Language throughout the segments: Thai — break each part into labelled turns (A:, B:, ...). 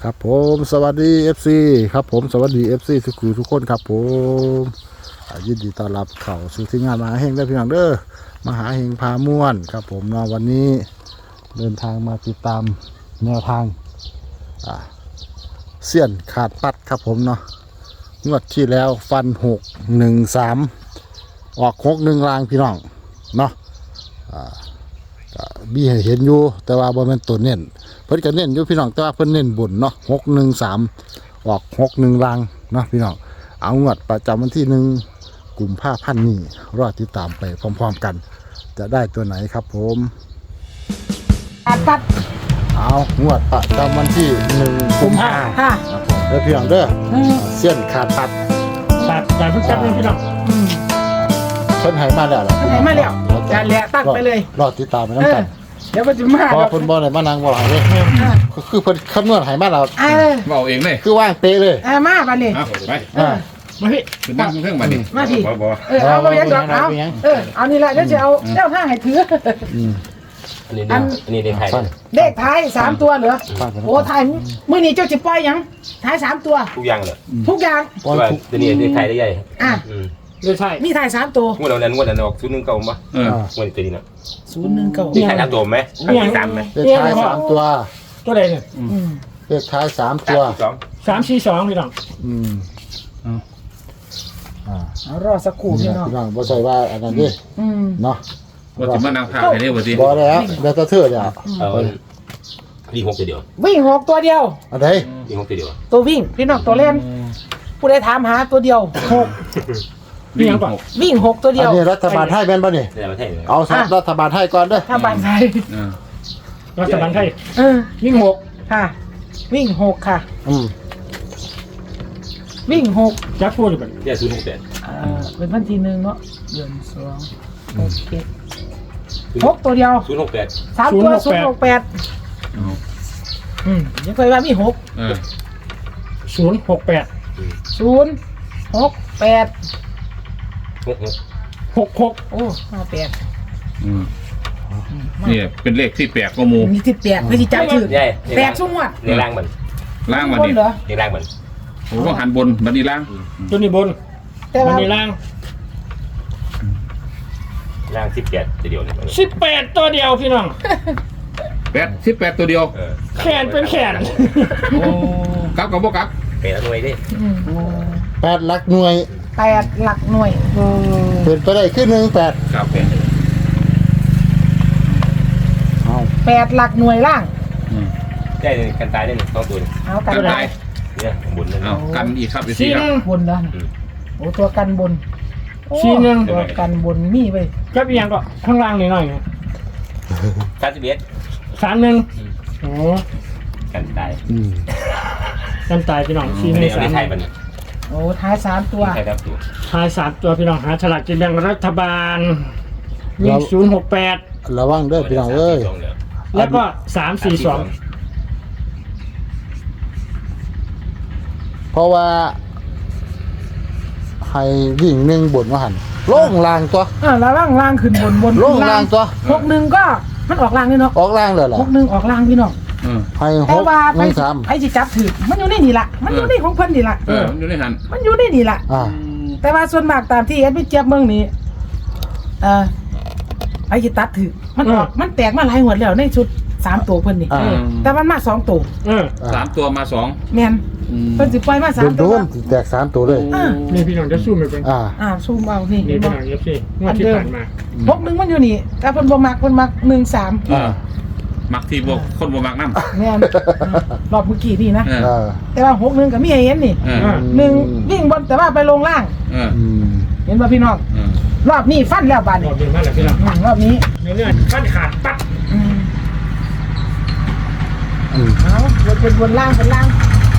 A: ครับผมสวัสดี FC ครับผมสวัสดี FC ทุกคนครับผมยินดีต้อนรับเข้าสู่ที่งานมหาเฮงได้พี่น้องเด้อมหาเฮงพาม่วนครับผมเนาะวันนี้เดินทางมาติดตามแนวทางเสี้ยนขาดปัดครับผมเนาะงวดที่แล้วฟัน613ออก61รางพี่น้องเนาะมีให้เห็นอยู่แต่ว่าบ่แม่นตัวเน้นเพิ่นก็เน้นอยู่พี่น้องแต่ว่าเพิ่นเน้นบนเนาะ613ออก61รางเนาะพี่น้องเอางวดประจำวันที่1กุมภาพันธ์นี้รอติดตามไปพร้อมๆกันจะได้ตัวไหนครับผม
B: ปัด
A: เอางวดประจำวันที่1กุมภาพันธ์
B: ค่ะ
A: ครับผมเด้อพี่น้องเด้อเส้นขาดปัด
C: แต่เพิ่งจับเลยพี่น้อง
A: เพิ่นให้มาแล้วเหรอ
B: ไหนมาแล้วจานแหละตั้งไปเลย
A: รอติดตามไปนำกัน
B: เดี๋ยวมันจะมา
A: เพราะเพิ่นบ่ได้มานั่งบ่หลายเด้คือเพิ่นคำนวณให้มาแล้ว
D: เอาเองเลย
A: คือว่างเป๊ะเลย
B: มาบัดนี้
D: เอาไป
C: มาพี่
D: เป็นนั่งเครื่องมาดิ
B: มาพี่
D: บ่
B: เอาไปยังดอกเอานี่แหละเดี๋ยวจะเอาเจ้าท่าให้ถือ
E: อันนี้เด็กไทย
B: เลขท้าย3ตัวเหรอโอ้ท้ายมื้อนี้เจ้าสิปล่อยยังท้าย3ตัว
E: ทุกอย่างเลย
B: ทุกอย่าง
E: ว่าตัวนี้เด็กไทยได้ใหญ่
C: ไม่ใช่
B: มีท้าย3ตัว
E: งวดนั้นออกชุดนึงเก่าป่ะงวดตัวนี้นะเด็กไทย3ตัวไหม3ไหม
A: เลขท้าย3ตัว
C: ตัวใดเนี่ย
A: เลขท้าย3ตัว
C: 342พี่น้อง
B: เอารอสักครู่พี่น้อง
A: พี่น้องบ่ใช่ว่าอันนั้นดิเนาะ
D: ว่าจะมานั่งภาพให้ได้บ่สิ
A: บ่แล้วแล้วก็เทื่อเดียว
E: วิ่ง6ตัวเดียว
B: วิ่ง6ตัวเดียว
A: อันใด
E: วิ่ง6ตัวเดียว
B: ตัววิ่งพี่น้องตัวเล่นผู้ใดถามหาตัวเดียว6
C: พี่ยังก่อน
B: วิ่ง6ตัวเดี
A: อั
B: ย
A: น
B: ว
A: นี้รัฐบาลไทยแม่นบ่นี่
E: ในประเทศเลย
A: เอารัฐบาลไทยก่อนเด้อ
B: ถ้าบ้านไทย
C: รัฐบาลไทย
B: วิ่ง6ค่ะวิ่ง6ค่ะวิ่ง6
C: จับพูดอยู่ก่อน
E: เนี่ยชุด6
B: เป็นวันที่1เนาะเดือน2 6 7 6ตัวเดียว
E: ชุด6
B: 3ตัว068ยังเคยว่ามี6
C: 068
B: 068
C: 66
B: โอ้58
D: นี่เป็นเลขที่แปลกกว่าหมู่
B: มีที่8ไม่ที่จับชื่อ8ชั่วโมง
E: ในร่างมัน
D: ล่างมาดิ
B: เหรอ
E: ในร่างมัน
D: โอ้หันบนบัดนี้ล่าง
C: ตัวนี้บน
B: แต่
C: มัน
B: ว่า
C: นี่ล่าง
E: ร่าง18ตัวเดียวเนี่ย
C: 18ตัวเดียวพี่น้อง
D: 18ตัวเดียว
C: แขนเป็นแขน
D: โอ้กลับกับบ่กลับ
E: เป็นหน่วยดิ
A: 8หลักหน่วย
B: 8หลักหน่วย
A: เป็นไปได้ขึ้น18
D: ครับ
A: เอา
B: 8หลักหน่วยล่าง
E: ได้กันตายได้2ตัว
B: เอากัน
D: กัน
B: ได้
D: ได้
E: เนี่ยบุญเลย
D: เอากันอีกครับอีก
C: ซี
D: ทีค
C: นึ
D: รับ
C: ง
B: บนแล้วโอ้ตัวกันบน
C: ชี้หนึ่ง
B: ตัวกันบนมีไป
C: จับอีกอย่างก็ข้างล่างนิดหน่อย
E: 31
C: 31โอ้
E: กันตาย
C: กันตายพี่น้องชี้ห
E: อัน
C: นึ่
E: นี้
C: ง
E: เอาในไทยมัน
B: โอ้ท้าย3ตัว
E: ไทยครับตัว
C: ท้าย3ตัวพี่น้องหาฉลากกินแบ่งรัฐบาลวิ่ง068
A: ระวังเด้อพี่น้องเอ้ย
C: แล้วก็342
A: เพราะว่าให้วิ่ง1บนว่าหั่นลงล่างตัว
B: แล้วล่างขึ้นบน
A: ลงล่างตัว
B: 61ก็มันออกล่างนี่เนาะ
A: ออกล่างเลยเหรอ
B: 61ออกล่างพี่น้อง
A: ให้
B: แต่ว่าไป
A: 6
B: ไอ้สิจับถือมันอยู่ในนี่ล่ะมันอยู่ในของเพิ่นนี่ล่ะ
D: มันอยู่ในหัน
B: มันอยู่ในนี่ล่ะ
A: 3
B: แต่ว่าส่วนมากตามที่เอ็ดพี่เจี๊ยบเมืองนี้ไอ้สิตัดถือมันออกมันแตกมาหลายหัวแล้วในชุด3ตัวเพิ่นนี่แต่มันมา2ตัว
D: 3ตัวมา2
B: แม่นเพิ่นสิปล่อยมา3
A: โด
B: ตัวน
A: ๆแตก3ตัวเลย
C: นี่พี่น้องจะสู้ไม่เป็น
B: ซูมเอานี่
C: นี่พี่น้องเอฟซีงวดที่ผ่านมา
B: 61มันอยู่นี่แต่เพิ่นบ่มักเพิ่นมัก13
D: มักที่บ่คนบ่มักนำ
B: แม่นรอบเมื่อกี้นี่นะ แต่ว่า61ก็มีให้เห็นนี่1วิ่งบนแต่ว่าไปลงล่างเห็นบ่พี่น้องรอบนี้ฟันแล้วบาด
C: ร
B: นี้
C: อบเดือนมาแล้วพี่น้อง
B: รอบนี้
C: เนื้อขั้นขาดปั๊บ
B: เอาบนล่างเป็นล่าง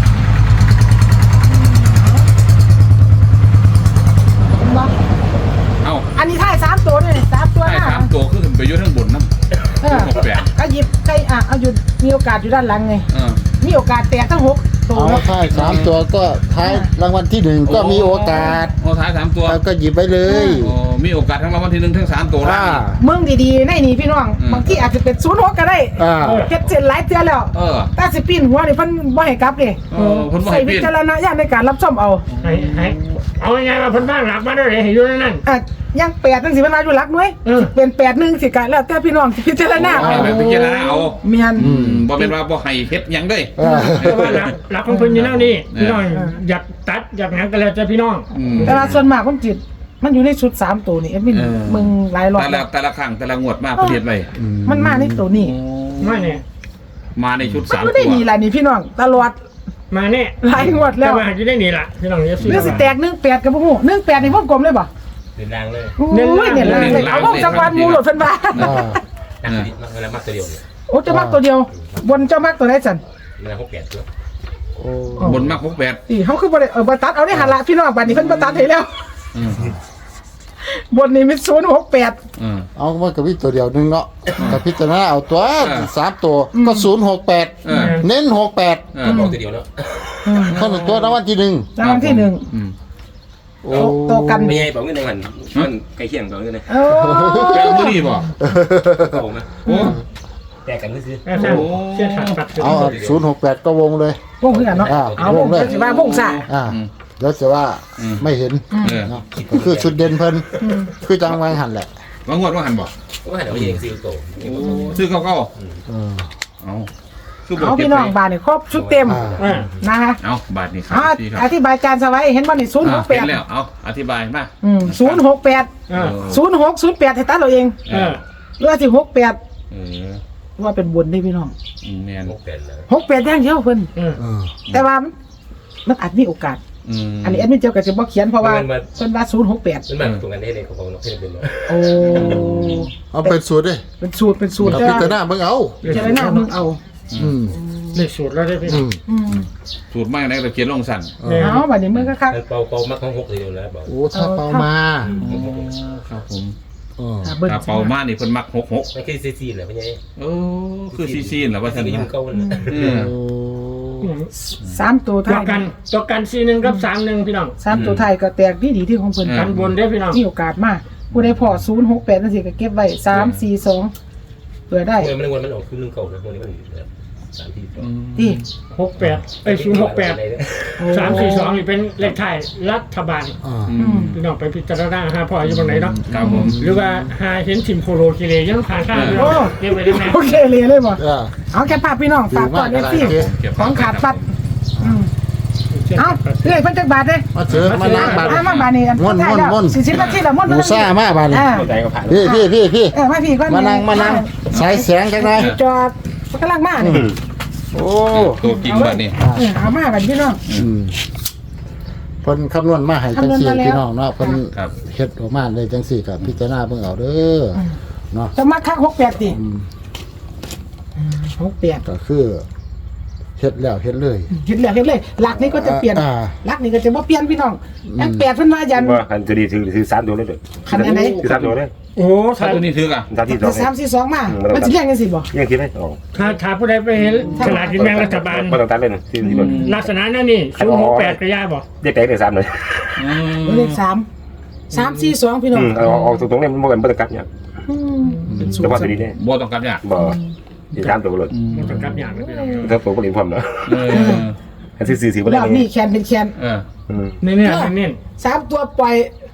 B: เห็นบ่
D: เอ้า
B: อันนี้ท้าย3ตัวด้วยนี่3ตัว
D: ให้3ตัวคือขึ้นไปอยู่ทั้งบนนำ68
B: ก็หยิบใครเอาอยู่มีโอกาสอยู่ด้านหลังไงมีโอกาสแตกทั้ง6 ตัว
A: เอา
B: เนาะ
A: ท้าย3ตัวก็ท้ายรางวัลที่1ก็มีโอกาส
D: โอ้ท้าย3ตัว
A: แล้วก็หยิบไปเลย
D: โอ้มีโอกาสทั้งรางวัลที่1ทั้ง3ตัวแล้ว
B: เมืองดีๆในนี่พี่น้องบางทีอาจจะเป็น06ก็ได้ เฮ็ดเส้นหลายเทื่อแล้ว
D: เออ
B: แต่สิปีนหัวนี่เพิ่นบ่ให้กลับนี่
D: เพิ่นบ่ให้
B: ใส่
D: ปีน
B: วิจารณญาณในการรับชมเอา
C: ให้เอาไงมาเพิ่นบ้างหลักมาได้เลยให้อยู่ในนั้น
B: ยัง8จังสิเวลาอยู่หลักหน่วยเป็น81สิกะแล้วแต่พี่น้องสิพิจารณา
D: ให้
B: เอา
D: แบบพิจารณาเอา
B: เมียน
D: บ่เป็นว่าบ่ให้เฮ็ดหยังเด้ย
C: แต่ว่าหลักของเพิ่นอยู่แล้วนี่พี่น้องอยากตัดอยากหยังก็แล้วแต่พี่น้อง
B: แต่ว่าส่วนมากมันจิตมันอยู่ในชุด3ตัวนี่เอ็มมินมึงหลายรอบ
D: แต่ละครั้งแต่ละงวดมาประเทศไว้
B: มันมาในตัวนี้
C: มาเนี่ย
D: มาในชุด
B: มัน
D: 3
B: อยู่
D: ตั
B: ได้
D: ว
B: นี่ล่ะนี่พี่น้องตลอด
C: มาเนี่ย
B: หลายงวดแล้ว
C: แต่ว่าจะได้นี่ล่ะพี่น้องเอฟซี
B: เรื่องสิแตก18กับบ่ฮู้18นี่วงกลมเลยบ่
E: เดินรางเลย
B: โอ้ยเนี่ยเลยเอาวงจักรวาลหมู่โหลดเพิ่นว่า
E: นักดิบเวลามักตัวเดียวเนี่ย
B: โอ้จะมักตัวเดียวบนเจ้ามักตัวไหนสั่น
E: เวลา6-8ตัว
D: บนมาก68
B: นี่เขาคือบ่ได้บ่ตัดเอาได้หันละพี่น้องบัดนี้เพิ่นบ่ตัดให้แล้ว บนนี้มี068
A: เอามันก็มีตัวเดียวนึงเนาะแต่พิจารณาเอาตัว3ตัวก็068เน้น68
E: บอกตัวเดียวเนาะ
A: เท่านั้นตัวรางวัลที่1
B: รางวัลที่หนึ่ง
A: โอ้
B: โตกัน
E: ไม่ใช่บอกเงินในวันมันใกล้เคียงบอกเงินเลย
B: โอ้
D: แปลว่ามื้อนี้บ่
E: ก็ผมนะ
D: โอ้
E: แตกกันก็คือ
C: แม่ช่างเชื่อขาดปัด
A: เอา068ก็วงเลย
B: วงคือกันเนาะเอาวงเลยสิว่าวงซ่า
A: แล้วจะว่าไม่เห็น เนาะก็คือชุดเด่นเพิ่นคือจังไว้หันแหละ
D: ว่างวดว่าหันบ่
E: ก็หันเอาเองซิลโต
D: ซื้อเก่า
A: เออ
D: ๆเอาคือบ่
B: เอา
D: เก็
B: พี่
D: บ
B: น้
D: ไว้
B: องบาทนี่ครบชุดเต็มนะคะ
D: เอาบาทนี่ครั
B: อ่า
D: พี่ค
B: อ
D: รับ
B: ธิบายการสไว้เห็นบ่นี่
D: เห็นแล้วเอาอธิบายมา
B: 068 0608ให้ตัดเราเองหรือว่าสิ68
D: เออ
B: ว่าเป็นบนได้พี่น้อง
D: แม่น
E: 6-8นะ
B: 68อย่างเดียวเพิ่น
A: เออ
B: แต่ว่ามันอาจมีโอกาส อันนี้แอดมินเจ้าก็จะบ่เขียนเพราะว่าเพิ่นว่า068
E: มันมาตรงกันได้เลยของเราเพื่อนเป็น
B: โอ้
A: เอาเป็นสูตรเด้
B: เป็นสูตร
A: เรา
B: แต่
A: พิจารณาเบิ่งเอา
B: เจารณามึงเอา
A: อืม
C: เลขสูตรแล้วได้พี่
A: อืม
D: สูตรมากในตะเกียนลงสั่น
B: เอาบัดนี้มึงก็คัก
E: เป่ามักของ6ทีเดียวแล้วบอก
A: โอ้ถ้าเปามา
D: ครับผม
A: เออ
D: ถ้าเป่ามานี่เพิ่นมัก66
E: มันคือซีแหละพี่ใหญ่
D: โอ้คือซีนเหรอว่าท่าน
E: ยิ้ม
D: นะ
E: เก่าเลย
A: โอ้
B: 3ตัว
C: ตัว
B: ท้าย
C: กัน41กับ31พี่น้อง
B: 3ตัวท้ายก็แตกดีที่ของเพิ่น
C: กันบนได้พี่น้อง
B: มีโอกาสมากผู้ใดพอ068จังซี่ก็เก็บไว้342เผื่อได้
E: มันมันออกคือ1เก่านะพวกนี้มัน3ที
B: ที่
C: 68068 342นี่เป็นเลขไทายรัฐบาล
A: อ่า
C: พี่น้องไปพิจารณาหาพ่ออยู่บนไหนเนาะ
D: ครับผม
C: หรือว่าหาเห็นทีมโคโลกิเลยังผ่านข้างพี่น้องเก็บไว้ได้ไหม
B: โอเคเลยบ่
A: เออ
B: เอาแค่ภาพพี่น้องฝากก่อน
A: ดี
B: เอ
A: มาก
B: ฟซี
A: โอเค
B: ของขาดปัดเอาเรื่อยเพิ่นจักบาทเด้
A: มาเจอมาล้างบาด
B: มาบาทนี่
A: ม่วน
B: 40นาทีแล้วม่วน
A: หมูซ่ามากบาดนี่
E: ใจก็ผ่าน
A: พี่
B: มาพี่ก่อน
A: มานั่งสายแสงจังได๋
B: จอดมันกำลังมานี่
A: โอ้
D: ตัวจริงบัดนี้
B: เอามาบัดพี่น้อง
A: อืมเพิ่นคำนวณมาให้จังซี่
B: คำนวณมาแล้ว
A: พี่น้องเนาะเพิ่น
D: ครับ
A: เฮ็ดออกมาเลยจังซี่ก็พิจารณาเบิ่งเอาเด้อเนาะ
B: จะมาคัก68ติ
A: อืม
B: 68
A: ก็คือเฮ็ดแล้วเฮ็ดเลย
B: เห็นเลยหลักนี้ก็จะเปลี่ยน
A: อ่า
B: หลักนี้ก็จะบ่เปลี่ยนพี่น้องยัง8เพิ่นว่ายัน
E: ว่าคันจะดีถือ3ตัวเลยเด้อถือ3ตัวเลย
C: โอ้
D: ถ้าตัวนี้ถืออ่ะ
E: 3ที่
B: แต่3 4 2มามันสิเรียงกันสิบ่
E: ยังคิดได้ออก
C: ถ้าผู้ใดไปเห็นฉลากกินแบ่งรัฐบาล
E: บ่ต้องตัดเลยนะที่มัน
C: ลักษณะนั่นนี่068กระยาบอก
E: ได้แตกได้3เลย
B: เลข3 3 4 2พี่น้อง
E: ออกตรงๆเนี่ยมันบ่กันบ่ต้องกลับเนี่ย
B: เป็นสูต
E: แต่
B: ร
E: ว่าตัวนี้เนี่ย
D: บ่ต้องกันเนี่ย
E: บ่อีก3ตัวเลย
C: มันเป็นกับอย่างนะพี่น้อง
E: ถ้าตัวบ่ได้พร้อมเนาะ
D: เออ
E: อันที่4บ่
B: ร
E: ได้
B: อบนี้แคนเป็นแคน
D: เออ
C: เน้น
B: 3ตัวปล่อย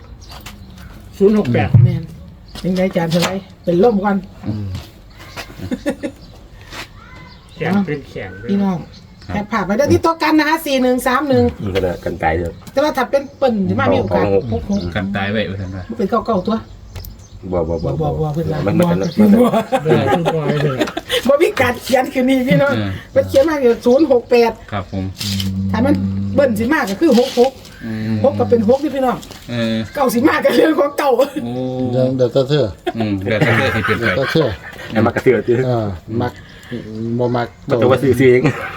C: 068
B: แม่นยังไงจานเท่าไหร่เป็นล่มก่อน
C: แข็งเป็นแข็ง
B: พี่น้องแค่ผ่านไปได้ที่โต๊ะกันนะคะ4131
E: มันก็กันตายเลย
B: แต่ว่าถ้าเป็นเปิ้นสิมามีโอกาส66
D: กันตายไว้ว่าท่านว่า
B: เป็นเก่าๆตัว
E: บ่
B: บ่เพิ่นว่า
E: มัน
B: บ่
E: กัน
B: บ่มีการเขียนคือนี่พี่น้องมันเขียนมาอยู่068
D: ครับผม
B: ถ้ามันเบิ้นสิมากก็คือ66 6ก็เป็น6ที่พี่น้อง
D: เออ
B: เก่าสิมากก็เรื่องของเก่า
D: โอ้
A: เดี๋ยวเธอ
D: เดี๋ยวถ้าเกิดที่เป็นไป
A: ก็เชื่อ
E: ไอ้มักกระเสือตื้อ
A: มักบ่มัก
E: มันตัวว่าซื้อเอง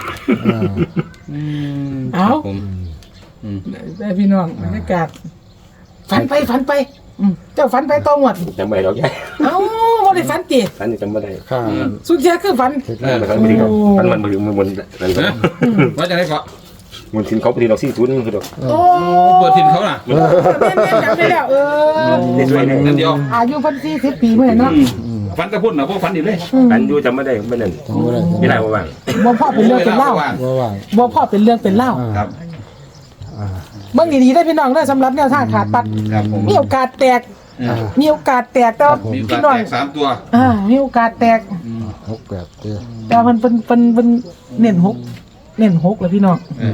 B: เอ้า
D: ผม
B: ได้พี่น้องบรรยากาศฝันไปเจ้าฝันไปต่อหมด
E: จำไม่ได้หรอกยาย
B: เอ้าบ่ได้ฝันติ
E: อันนี้จำไม่ได้
A: ข้า
B: สุดท้ายคือฝัน
A: เฮ็ด
E: มันบ่ถึงมันอะไร
D: ว่าจะได้เกาะ
E: มันทิ้งเขาไปทีเรา40นึงคือดอก
B: โอ้
D: เปิดทินเขาน่ะ
B: แม่จำได้แล้ว
E: ได้ด้วยนึง
D: นั่นเดียว
B: อายุเพิ่น40 ปีเมื่อเนาะ
D: ฟันกระพุ่นนะพวกฟันอีกเลย
E: อันอยู่จำไม่ได้ไม่นั่น
A: จำบ่ได้
E: ไม่ได้ว่าว่าง
B: บ่พ่อเป็นเรื่องเป็นเล่า
A: ว่าว่าง
B: บ่พ่อเป็นเรื่องเป็นเล่า
D: ครับ
B: เบิ่งดีๆได้พี่น้องเด้อสำหรับแนวทางขาดปัด
D: ครับผม
B: มีโอกาสแตก มีโอกาสแตกแต่ว่า
D: มี
B: พี่
D: การ
B: น้อง
D: แตก3ตัว
B: มีโอกาสแตก
A: 6 8เด้อ
B: แต่ว่ามันเน้น6เลยพี่น้อง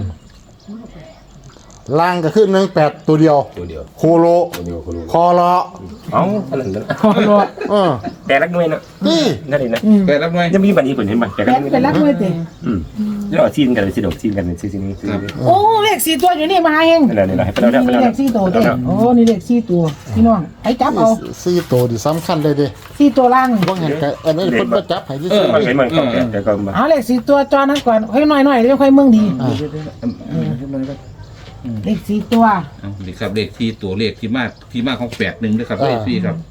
A: ล่างก็คือ18ตัวเดียว
E: ตัวเดียว
A: โคโล
E: ตัวเดียวคนรู้
A: คอเลาะ
E: เอ้าอันนั้น
B: พอรอ
E: แต่รักด้วยนะ
A: นี่
E: นั่นเองนะ
D: แต่รับหน่วย
E: ยังมีบันนี้ผลเห็นไหมแต่
B: แม่นเป็นรักด้วยติ
E: แล้วซีนกันเลยซีดอกซีนกันเลยซีนี้
B: โอ้เลข4ตัวอยู่นี่มาเอง
E: นั่นแหละนี่แหละให้ไปแล้วไป
B: นี่
E: แล้ว
B: เลข4ตัวเด้โอ้นี่เลข4ตัวพี่น้องให้จับเอา
A: 4ตัวนี่สำคัญเลยเด้
B: 4ตัวล่าง
A: บ่เห็นก็อันนี้เพิ่นบ่จับให้ซื่อ
E: มันเป็นมันก็แต่ก็มา
B: เอาเลข4ตัวจอนั้นก่อนค่อยหน่อยๆเดี๋ยวค่อยเมืองดีเลข4ตัว
D: นี่ครับเลขที่ตัวเลขที่มาของ81ด้วยครับเลขที่ครับ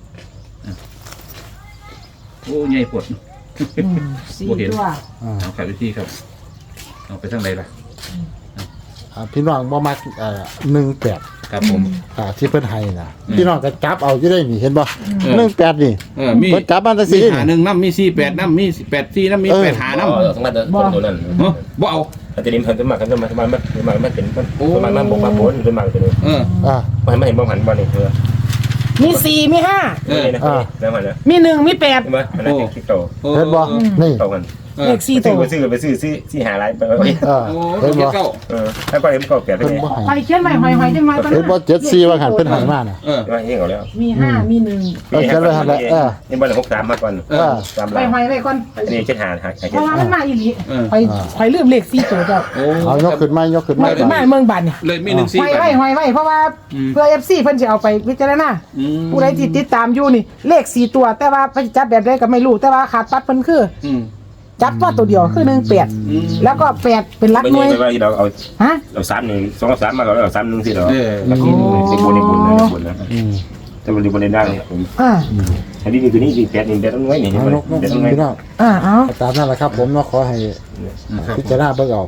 D: โอ้ใหญ่ปวด
B: 4ตัว
D: เอาครับที่ครับเอาไปทางไหนล่ะ
A: พี่น้องบ่มัก18
D: ครับผม
A: ที่เพิ่นให้น่ะพี่น้องก็จับเอาอยู่ได้นี่เห็นบ่18นี่
D: มี
A: เพิ่นจับมาแต่
D: มี
A: สิ
D: หา1น้ำมี48น้ำมี84น้ำมี8หาน้ำ
E: สมัยตัวนั้น
D: บ่เอา
E: อาจจะดิ้นพันตัวมากกันตัวมันมันเป็นมันมันบกมาผลตัวมันตัวนี้ มันไม่เห็นบ้องหันบ้านนี่เธอ
B: มี4มี5
E: แล้วมันนะ
B: มี1มี8
E: ใช่ไหมมันน่าจะคิดโต
A: เห็นบ่นี่
E: โตกัน
B: เลข4ตัว
E: ไปซื้อหาอะไรไป
D: โอ้
A: เห็นบ่
D: เก้า
E: แล้วก็เห็นก็เปลี่ยนไป
A: เพิ่น
E: เลย
A: บ่ให้
B: ไปเขียนใหม่หอยๆจังหน่อยก่อน
A: เห็นบ่74ว่าหันเพิ่นให้มาน่ะ
E: ว่าเฮงเอาแล้ว
B: มี5มี1
E: นี่บ้าน63มาก่อน3
B: ไป
E: ล้าน
B: หอยไว้ก่อน
E: นี่เช็ดหา
B: เพราะว่ามันมาอีหลีไปลืมเลข4ตัวเจ้า
D: โอ้
A: เอายกขึ้นมายกขึ้น
B: มา
A: มา
B: ขึ้นมาเมืองบันเนี่ย
D: เลยมี1
B: หอยไว้เพราะว่าเพื่อ FC เพิ่นสิเอาไปพิจารณาผู้ใดที่ติดตามอยู่นี่เลข4ตัวแต่ว่าเพิ่นจับแบบใดก็ไม่รู้แต่ว่าขาดปัดเพิ่นคือจับว่าตัวเดียวคือ18แล้วก็8เป็นหลัก
E: ไม่
B: หน่วย
E: ใช่ว่าเราเอา
B: ฮะ
E: เรา3นี่2 3มาก่อนแล้ว3นึงสิเราแล้วกินในบุญนะแต่บริบทได้ผม อันนี้ตัวนี้8นี่8ต้องไว้นี่
A: เอายก
E: 8ต้องไว้
A: พี่น้อง
B: เอา
A: ตามนั้นแหละครับผมเนาะขอให้พิจารณาเบิ่งเอา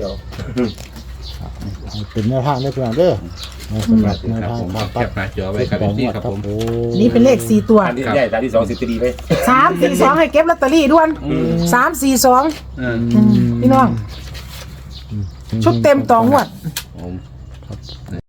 A: เป็นแนวทางได้เพื่อนเด้อสำหรับแนว
D: ครับ
A: ทาง
D: ผม
A: การ
D: แค
A: ตัด
D: ปหน้าจอไว้ครับที่ครับผม
B: นี่เป็นเลข4ตัว
E: อันที่ใหญ่ตาที่2 10ดีไป
B: 342ให้เก็บลอตเตอรี่ด่วน342พี่น้องชุดเต็ม2งวด